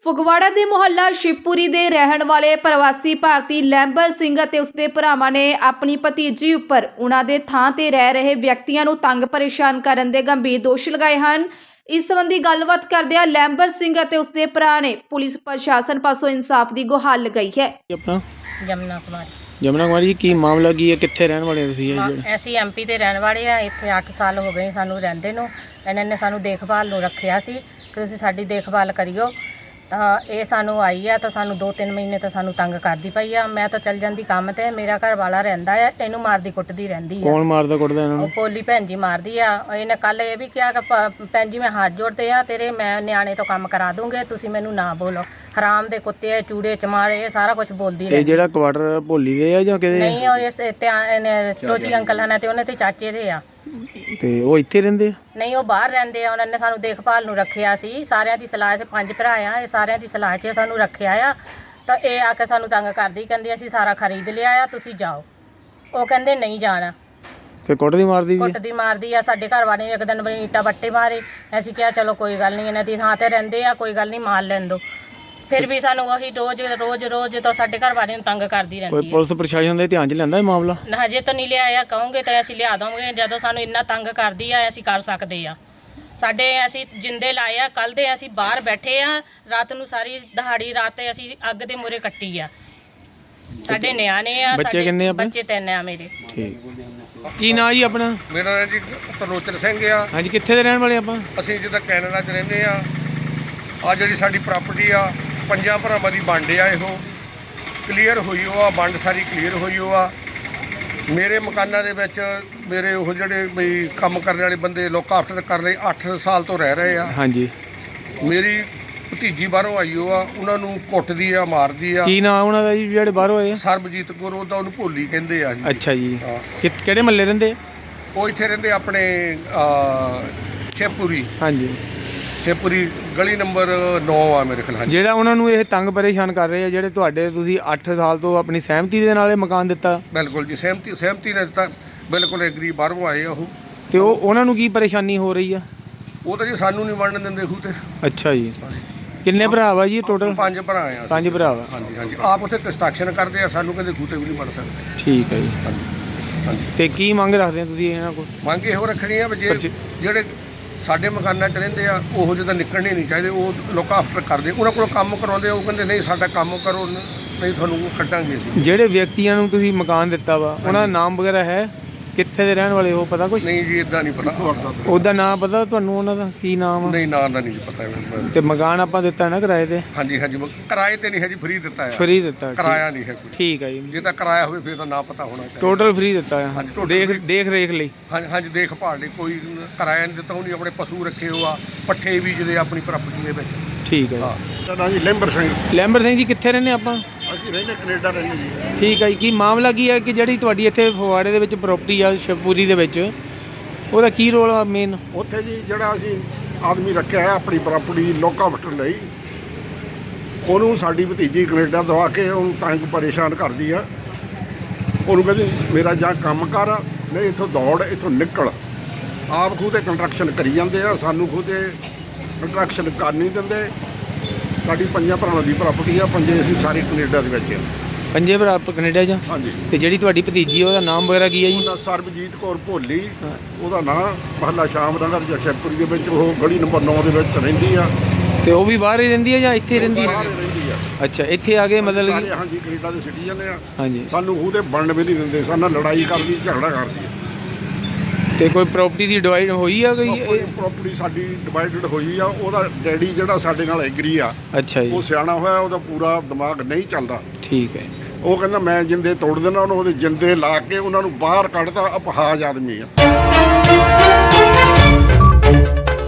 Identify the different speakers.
Speaker 1: ਫਗਵਾੜਾ ਦੇ ਮੁਹੱਲਾ ਸ਼ਿਵਪੁਰੀ ਦੇ ਰਹਿਣ ਵਾਲੇ ਪ੍ਰਵਾਸੀ ਭਾਰਤੀ ਲੈਂਬਰ ਸਿੰਘ ਅਤੇ ਉਸਦੇ ਭਰਾਵਾਂ ਨੇ ਆਪਣੀ ਭਤੀਜੀ ਉੱਪਰ ਉਹਨਾਂ ਦੇ ਥਾਂ ਤੇ ਰਹਿ ਰਹੇ ਵਿਅਕਤੀਆਂ ਨੂੰ ਤੰਗ ਪਰੇਸ਼ਾਨ ਕਰਨ ਦੇ ਗੰਭੀਰ ਦੋਸ਼ ਲਗਾਏ ਹਨ। ਇਸ ਸੰਬੰਧੀ ਗੱਲਬਾਤ ਕਰਦਿਆਂ ਲੈਂਬਰ ਸਿੰਘ ਅਤੇ ਉਸਦੇ ਭਰਾ ਨੇ ਪੁਲਿਸ ਪ੍ਰਸ਼ਾਸਨ ਪਾਸੋਂ ਇਨਸਾਫ ਦੀ ਗੁਹਾਰ ਲਗਾਈ ਹੈ।
Speaker 2: ਆਪਣਾ
Speaker 3: ਜਮਨਾ ਕੁਮਾਰੀ
Speaker 2: ਜਮਨਾ ਕੁਮਾਰੀ ਜੀ, ਕੀ ਮਾਮਲਾ ਕੀ ਹੈ? ਕਿੱਥੇ ਰਹਿਣ ਵਾਲੇ ਹੋ ਤੁਸੀਂ?
Speaker 3: ਅਸੀਂ ਐਮਪੀ ਤੇ ਰਹਿਣ ਵਾਲੇ ਆ। ਇੱਥੇ 8 ਸਾਲ ਹੋ ਗਏ ਸਾਨੂੰ ਰਹਿੰਦੇ ਨੂੰ। ਇਹਨਾਂ ਨੇ ਸਾਨੂੰ ਦੇਖਭਾਲ ਨੂੰ ਰੱਖਿਆ ਸੀ ਕਿ ਤੁਸੀਂ ਸਾਡੀ ਦੇਖਭਾਲ ਕਰਿਓ। ਤਾਂ ਇਹ ਸਾਨੂੰ ਆਈ ਆ ਤਾਂ ਸਾਨੂੰ 2-3 ਮਹੀਨੇ ਤੋਂ ਸਾਨੂੰ ਤੰਗ ਕਰਦੀ ਪਈ ਆ। ਮੈਂ ਤਾਂ ਚੱਲ ਜਾਂਦੀ ਕੰਮ ਤੇ, ਮੇਰਾ ਘਰ ਵਾਲਾ ਰਹਿੰਦਾ ਆ, ਇਹਨੂੰ ਮਾਰਦੀ ਕੁੱਟਦੀ ਰਹਿੰਦੀ ਆ।
Speaker 2: ਕੌਣ ਮਾਰਦਾ ਕੁੱਟਦਾ ਇਹਨਾਂ
Speaker 3: ਉਹ
Speaker 2: ਨੂੰ?
Speaker 3: ਪੋਲੀ ਭੈਣ ਜੀ ਮਾਰਦੀ ਆ। ਇਹਨੇ ਕੱਲ ਇਹ ਵੀ ਕਿਹਾ ਕਿ ਭੈਣ ਜੀ ਮੈਂ ਹੱਥ ਜੋੜਦੇ ਆ ਤੇਰੇ, ਮੈਂ ਨਿਆਣੇ ਤੋਂ ਕੰਮ ਕਰਾ ਦੂੰਗੇ, ਤੁਸੀਂ ਮੈਨੂੰ ਨਾ ਬੋਲੋ। ਹਰਾਮ ਦੇ ਕੁੱਤੇ, ਚੂੜੇ ਚਮਾਰੇ, ਇਹ ਸਾਰਾ ਕੁਝ ਬੋਲਦੀ
Speaker 2: ਇਹ
Speaker 3: ਰਹਿੰਦੀ।
Speaker 2: ਜਿਹੜਾ ਕੁਆਟਰ ਭੋਲੀ ਦੇ ਆ ਜਾਂ ਕਿਹਦੇ?
Speaker 3: ਨਹੀਂ, ਉਹ ਇਸ ਟੋਜੀ ਅੰਕਲ ਹਨ ਤੇ ਉਹਨਾਂ ਤੇ ਚਾਚੇ ਦੇ ਆ।
Speaker 2: ਤੇ ਉਹ ਇੱਥੇ ਰਹਿੰਦੇ ਆ?
Speaker 3: ਨਹੀਂ, ਉਹ ਬਾਹਰ ਰਹਿੰਦੇ ਆ। ਉਹਨਾਂ ਨੇ ਸਾਨੂੰ ਦੇਖਭਾਲ ਨੂੰ ਰੱਖਿਆ ਸੀ। ਸਾਰਿਆਂ ਦੀ ਸਲਾਹ 'ਚ 5 ਭਰਾ ਆ, ਇਹ ਸਾਰਿਆਂ ਦੀ ਸਲਾਹ 'ਚ ਸਾਨੂੰ ਰੱਖਿਆ ਆ। ਤਾਂ ਇਹ ਆ ਕੇ ਸਾਨੂੰ ਤੰਗ ਕਰਦੀ, ਕਹਿੰਦੀ ਅਸੀਂ ਸਾਰਾ ਖਰੀਦ ਲਿਆ ਆ, ਤੁਸੀਂ ਜਾਓ। ਉਹ ਕਹਿੰਦੇ ਨਹੀਂ ਜਾਣਾ।
Speaker 2: ਤੇ ਕੁੱਟਦੀ ਮਾਰਦੀ ਵੀ?
Speaker 3: ਕੁੱਟਦੀ ਮਾਰਦੀ ਆ। ਸਾਡੇ ਘਰ ਵਾਲੇ ਨੇ ਇੱਕ ਦਿਨ ਇੱਟਾਂ ਬੱਟੇ ਮਾਰੇ। ਅਸੀਂ ਕਿਹਾ ਚਲੋ ਕੋਈ ਗੱਲ ਨਹੀਂ, ਇਹਨਾਂ ਦੀ ਥਾਂ ਤੇ ਰਹਿੰਦੇ ਆ, ਕੋਈ ਗੱਲ ਨਹੀਂ, ਮਾਰ ਲੈਣ ਦਿਓ। ਫਿਰ ਵੀ ਸਾਨੂੰ ਉਹੀ ਰੋਜ਼ ਤਾਂ ਸਾਡੇ ਘਰ ਵਾਲੇ ਨੂੰ ਤੰਗ ਕਰਦੀ ਰਹਿੰਦੀ
Speaker 2: ਕੋਈ
Speaker 3: ਹੈ।
Speaker 2: ਪੁਲਿਸ ਪ੍ਰਸ਼ਾਸਨ ਦੇ ਧਿਆਨ 'ਚ ਲੈਂਦਾ ਇਹ ਮਾਮਲਾ?
Speaker 3: ਨਾ, ਹਜੇ ਤਾਂ ਨਹੀਂ ਲਿਆਇਆ। ਕਹੋਗੇ ਤਾਂ ਅਸੀਂ ਲਿਆ ਦਵਾਂਗੇ। ਜਦੋਂ ਸਾਨੂੰ ਇੰਨਾ ਤੰਗ ਕਰਦੀ ਆ, ਅਸੀਂ ਕਰ ਸਕਦੇ ਆ। ਸਾਡੇ ਅਸੀਂ ਜਿੰਦੇ ਲਾਏ ਆ। ਕੱਲ ਦੇ ਅਸੀਂ ਬਾਹਰ ਬੈਠੇ ਆ, ਰਾਤ ਨੂੰ ਸਾਰੀ ਦਿਹਾੜੀ ਰਾਤ ਤੇ ਅਸੀਂ ਅੱਗ ਦੇ ਮੂਹਰੇ ਕੱਟੀ ਆ। ਸਾਡੇ ਨਿਆਣੇ ਆ।
Speaker 2: ਬੱਚੇ ਕਿੰਨੇ ਆ ਆਪਣੇ?
Speaker 3: ਬੱਚੇ 3 ਆ ਮੇਰੇ।
Speaker 2: ਠੀਕ। ਕੀ ਨਾਂ ਜੀ ਆਪਣਾ?
Speaker 4: ਮੇਰਾ ਨਾਂ ਜੀ ਤਰਲੋਚਨ ਸਿੰਘ ਆ।
Speaker 2: ਹਾਂਜੀ, ਕਿੱਥੇ ਦੇ ਰਹਿਣ ਵਾਲੇ ਆਪਾਂ?
Speaker 4: ਅਸੀਂ ਜਿੱਦਾਂ ਕੈਨੇਡਾ 'ਚ ਰਹਿੰਦੇ ਆ। ਆ ਜਿਹੜੀ ਸਾਡੀ ਪ੍ਰਾਪਰਟੀ ਆ, 5 ਭਰਾਵਾਂ ਦੀ ਵੰਡ ਆ। ਇਹੋ ਕਲੀਅਰ ਹੋਈ ਉਹ ਆ, ਵੰਡ ਸਾਰੀ ਕਲੀਅਰ ਹੋਈ ਉਹ ਆ। ਮੇਰੇ ਮਕਾਨਾਂ ਦੇ ਵਿੱਚ ਮੇਰੇ ਉਹ ਜਿਹੜੇ ਬਈ ਕੰਮ ਕਰਨ ਵਾਲੇ ਬੰਦੇ ਲੋਕ ਆਫਟਰ ਕਰ ਲਈ 8 ਸਾਲ ਤੋਂ ਰਹਿ ਰਹੇ ਆ।
Speaker 2: ਹਾਂਜੀ।
Speaker 4: ਮੇਰੀ ਭਤੀਜੀ ਬਾਹਰੋਂ ਆਈ ਉਹ ਆ, ਉਹਨਾਂ ਨੂੰ ਕੁੱਟਦੀ ਆ, ਮਾਰਦੀ ਆ।
Speaker 2: ਕੀ ਨਾਂ ਉਹਨਾਂ ਦਾ ਜੀ ਜਿਹੜੇ ਬਾਹਰੋਂ ਆਏ ਆ?
Speaker 4: ਸਰਬਜੀਤ ਕੌਰ, ਉਹਦਾ ਉਹਨੂੰ ਭੋਲੀ ਕਹਿੰਦੇ ਆ ਜੀ।
Speaker 2: ਅੱਛਾ ਜੀ।
Speaker 4: ਹਾਂ।
Speaker 2: ਕਿਹੜੇ ਮਹੱਲੇ ਰਹਿੰਦੇ?
Speaker 4: ਉਹ ਇੱਥੇ ਰਹਿੰਦੇ ਆਪਣੇ ਸ਼ਿਵਪੁਰੀ।
Speaker 2: ਹਾਂਜੀ।
Speaker 4: ਸ਼ਿਵਪੁਰੀ ਗਲੀ ਨੰਬਰ 9 ਆ ਮੇਰੇ ਖਿਆਲ। ਹਾਂਜੀ।
Speaker 2: ਜਿਹੜਾ ਉਹਨਾਂ ਨੂੰ ਇਹ ਤੰਗ ਪਰੇਸ਼ਾਨ ਕਰ ਰਹੇ ਆ, ਜਿਹੜੇ ਤੁਹਾਡੇ ਤੁਸੀਂ 8 ਸਾਲ ਤੋਂ ਆਪਣੀ ਸਹਿਮਤੀ ਦੇ ਨਾਲ ਇਹ ਮਕਾਨ ਦਿੱਤਾ?
Speaker 4: ਬਿਲਕੁਲ ਜੀ, ਸਹਿਮਤੀ ਨੇ ਦਿੱਤਾ। ਬਿਲਕੁਲ ਐਗਰੀ। ਬਾਹਰੋਂ ਆਏ ਆ ਉਹ।
Speaker 2: ਤੇ ਉਹ ਉਹਨਾਂ ਨੂੰ ਕੀ ਪਰੇਸ਼ਾਨੀ ਹੋ ਰਹੀ ਆ?
Speaker 4: ਉਹ ਤਾਂ ਜੀ ਸਾਨੂੰ ਨਹੀਂ ਵੰਡਣ ਦਿੰਦੇ ਖੂ ਤੇ।
Speaker 2: ਅੱਛਾ ਜੀ। ਕਿੰਨੇ ਭਰਾ ਵਾ ਜੀ ਟੋਟਲ?
Speaker 4: 5 ਭਰਾ ਆ।
Speaker 2: 5 ਭਰਾ ਵਾ।
Speaker 4: ਹਾਂਜੀ ਹਾਂਜੀ। ਆਪ ਉੱਥੇ ਕੰਸਟਰਕਸ਼ਨ ਕਰਦੇ ਆ, ਸਾਨੂੰ ਕਹਿੰਦੇ ਖੂਤੇ ਵੀ ਨਹੀਂ ਵੰਡ ਸਕਦੇ।
Speaker 2: ਠੀਕ ਹੈ ਜੀ।
Speaker 4: ਹਾਂਜੀ ਹਾਂਜੀ।
Speaker 2: ਤੇ ਕੀ ਮੰਗ ਰੱਖਦੇ ਆ ਤੁਸੀਂ ਇਹਨਾਂ ਕੋਲ?
Speaker 4: ਮੰਗ ਇਹੋ ਰੱਖਣੀ ਆ ਵੀ ਜਿਹੜੇ ਸਾਡੇ ਮਕਾਨਾਂ 'ਚ ਰਹਿੰਦੇ ਆ, ਉਹੋ ਜਿਹੇ ਤਾਂ ਨਿਕਲਣੇ ਨਹੀਂ ਚਾਹੀਦੇ। ਉਹ ਲੋਕ ਆਫਟਰ ਕਰਦੇ, ਉਹਨਾਂ ਕੋਲ ਕੰਮ ਕਰਵਾਉਂਦੇ, ਉਹ ਕਹਿੰਦੇ ਨਹੀਂ ਸਾਡਾ ਕੰਮ ਕਰੋ, ਨਹੀਂ ਤੁਹਾਨੂੰ ਕੱਢਾਂਗੇ ਅਸੀਂ।
Speaker 2: ਜਿਹੜੇ ਵਿਅਕਤੀਆਂ ਨੂੰ ਤੁਸੀਂ ਮਕਾਨ ਦਿੱਤਾ ਵਾ, ਉਹਨਾਂ ਦਾ ਨਾਮ ਵਗੈਰਾ ਹੈ? ਕਿੱਥੇ ਦੇ ਰਹਿਣ ਵਾਲੇ ਹੋ, ਪਤਾ ਕੁਛ?
Speaker 4: ਨਹੀਂ ਜੀ, ਇਦਾਂ ਨਹੀਂ ਪਤਾ।
Speaker 2: ਉਹਦਾ ਨਾਮ ਪਤਾ ਤੁਹਾਨੂੰ? ਉਹਨਾਂ ਦਾ ਕੀ ਨਾਮ ਆ?
Speaker 4: ਨਹੀਂ, ਨਾਂ ਦਾ ਨਹੀਂ ਜੀ ਪਤਾ ਮੈਨੂੰ।
Speaker 2: ਤੇ ਮਕਾਨ ਆਪਾਂ ਦਿੱਤਾ ਨਾ ਕਿਰਾਏ ਤੇ?
Speaker 4: ਹਾਂਜੀ ਹਾਂਜੀ। ਕਿਰਾਏ ਤੇ ਨਹੀਂ ਹੈ ਜੀ, ਫ੍ਰੀ ਦਿੱਤਾ ਆ।
Speaker 2: ਫ੍ਰੀ ਦਿੱਤਾ?
Speaker 4: ਕਿਰਾਇਆ ਨਹੀਂ ਹੈ ਕੋਈ।
Speaker 2: ਠੀਕ ਹੈ ਜੀ।
Speaker 4: ਜੇ ਤਾਂ ਕਿਰਾਇਆ ਹੋਵੇ ਫਿਰ ਤਾਂ ਨਾ ਪਤਾ ਹੋਣਾ ਚਾਹੀਦਾ।
Speaker 2: ਟੋਟਲ ਫ੍ਰੀ ਦਿੱਤਾ ਹੈ?
Speaker 4: ਹਾਂਜੀ, total
Speaker 2: ਦੇਖ ਰੇਖ ਲਈ?
Speaker 4: ਹਾਂਜੀ ਹਾਂਜੀ। ਦੇਖਭਾਲ ਲਈ ਕੋਈ ਕਿਰਾਇਆ ਨਹੀਂ ਦਿੱਤਾ। ਉਹਨੇ ਆਪਣੇ ਪਸ਼ੂ ਰੱਖੇ ਹੋ ਆ, ਪੱਠੇ ਬੀਜਦੇ ਆਪਣੀ ਪ੍ਰਾਪਰਟੀ ਦੇ ਵਿੱਚ।
Speaker 2: ਠੀਕ ਹੈ।
Speaker 4: ਹਾਂ। ਨਾਂ ਜੀ ਲੈਂਬਰ ਸਿੰਘ।
Speaker 2: ਲੈਂਬਰ ਸਿੰਘ ਜੀ, ਕਿੱਥੇ ਰਹਿੰਦੇ ਆਪਾਂ?
Speaker 4: ਅਸੀਂ ਰਹਿੰਦੇ ਕੈਨੇਡਾ ਰਹਿੰਦੇ ਜੀ।
Speaker 2: ਠੀਕ ਹੈ ਜੀ। ਕੀ ਮਾਮਲਾ ਕੀ ਹੈ ਕਿ ਜਿਹੜੀ ਤੁਹਾਡੀ ਇੱਥੇ ਫਗਵਾੜੇ ਦੇ ਵਿੱਚ ਪ੍ਰਾਪਰਟੀ ਆ ਸ਼ਿਵਪੁਰੀ ਦੇ ਵਿੱਚ, ਉਹਦਾ ਕੀ ਰੋਲ ਆ ਮੇਨ?
Speaker 5: ਉੱਥੇ ਜੀ ਜਿਹੜਾ ਅਸੀਂ ਆਦਮੀ ਰੱਖਿਆ ਹੈ ਆਪਣੀ ਪ੍ਰਾਪਰਟੀ ਲੋਕਾਂ ਵਟਣ ਲਈ, ਉਹਨੂੰ ਸਾਡੀ ਭਤੀਜੀ ਕੈਨੇਡਾ ਤੋਂ ਆ ਕੇ ਉਹਨੂੰ ਤੰਗ ਪਰੇਸ਼ਾਨ ਕਰਦੀ ਆ। ਉਹਨੂੰ ਕਹਿੰਦੀ ਮੇਰਾ ਜਾਂ ਕੰਮ ਕਰ, ਨਹੀਂ ਇੱਥੋਂ ਦੌੜ, ਇੱਥੋਂ ਨਿਕਲ। ਆਪ ਖੂਹ 'ਤੇ ਕੰਸਟਰਕਸ਼ਨ ਕਰੀ ਜਾਂਦੇ ਆ, ਸਾਨੂੰ ਖੂਹ 'ਤੇ ਕੰਸਟਰਕਸ਼ਨ ਕਰ ਨਹੀਂ ਦਿੰਦੇ। ਸਾਡੀ 5 ਭਰਾਵਾਂ ਦੀ ਪ੍ਰਾਪਰਟੀ ਆ, 5 ਅਸੀਂ ਸਾਰੇ ਕੈਨੇਡਾ ਦੇ ਵਿੱਚ।
Speaker 2: 5 ਭਰਾ ਕੈਨੇਡਾ 'ਚ?
Speaker 5: ਹਾਂਜੀ।
Speaker 2: ਤੇ ਜਿਹੜੀ ਤੁਹਾਡੀ ਭਤੀਜੀ ਉਹਦਾ ਨਾਮ ਵਗੈਰਾ ਕੀ ਹੈ ਜੀ?
Speaker 5: ਉਹਦਾ ਸਰਬਜੀਤ ਕੌਰ ਭੋਲੀ, ਉਹਦਾ ਨਾਂ। ਮਹੱਲਾ ਸ਼ਾਮ ਨਗਰ ਜਾਂ ਸ਼ਿਵਪੁਰੀ ਦੇ ਵਿੱਚ, ਉਹ ਗਲੀ ਨੰਬਰ 9 ਦੇ ਵਿੱਚ ਰਹਿੰਦੀ ਆ।
Speaker 2: ਤੇ ਉਹ ਵੀ ਬਾਹਰ ਹੀ ਰਹਿੰਦੀ ਹੈ ਜਾਂ ਇੱਥੇ ਰਹਿੰਦੀ ਹੈ?
Speaker 5: ਬਾਹਰ ਰਹਿੰਦੀ ਆ।
Speaker 2: ਅੱਛਾ, ਇੱਥੇ ਆ ਕੇ ਮਤਲਬ
Speaker 5: ਸਾਰੇ
Speaker 2: ਕਿ?
Speaker 5: ਹਾਂਜੀ ਕੈਨੇਡਾ ਦੇ ਸਿਟੀਜ਼ਨ ਆ।
Speaker 2: ਹਾਂਜੀ।
Speaker 5: ਸਾਨੂੰ ਉਹਦੇ ਵੰਡ ਵੀ ਨਹੀਂ ਦਿੰਦੇ, ਸਾਡੇ ਨਾਲ ਲੜਾਈ ਕਰਦੀ, ਝਗੜਾ ਕਰਦੀ ਹੈ।
Speaker 2: ਤੇ ਕੋਈ ਪ੍ਰਾਪਰਟੀ ਦੀ ਡਿਵਾਈਡ ਹੋਈ ਆ ਕੋਈ?
Speaker 5: ਪ੍ਰਾਪਰਟੀ ਸਾਡੀ ਡਿਵਾਈਡਡ ਹੋਈ ਆ। ਉਹਦਾ ਡੈਡੀ ਜਿਹੜਾ ਸਾਡੇ ਨਾਲ ਐਗਰੀ ਆ,
Speaker 2: ਅੱਛਾ ਜੀ।
Speaker 5: ਉਹ ਸਿਆਣਾ ਹੋਇਆ, ਉਹਦਾ ਪੂਰਾ ਦਿਮਾਗ ਨਹੀਂ ਚੱਲਦਾ।
Speaker 2: ਠੀਕ ਹੈ।
Speaker 5: ਉਹ ਕਹਿੰਦਾ ਮੈਂ ਜਿੰਦੇ ਤੋੜ ਦੇਣਾ, ਉਹਨੂੰ ਉਹਦੇ ਜਿੰਦੇ ਲਾ ਕੇ ਉਹਨਾਂ ਨੂੰ ਬਾਹਰ ਕੱਢਦਾ। ਅਪਹਾਜ ਆਦਮੀ ਆ।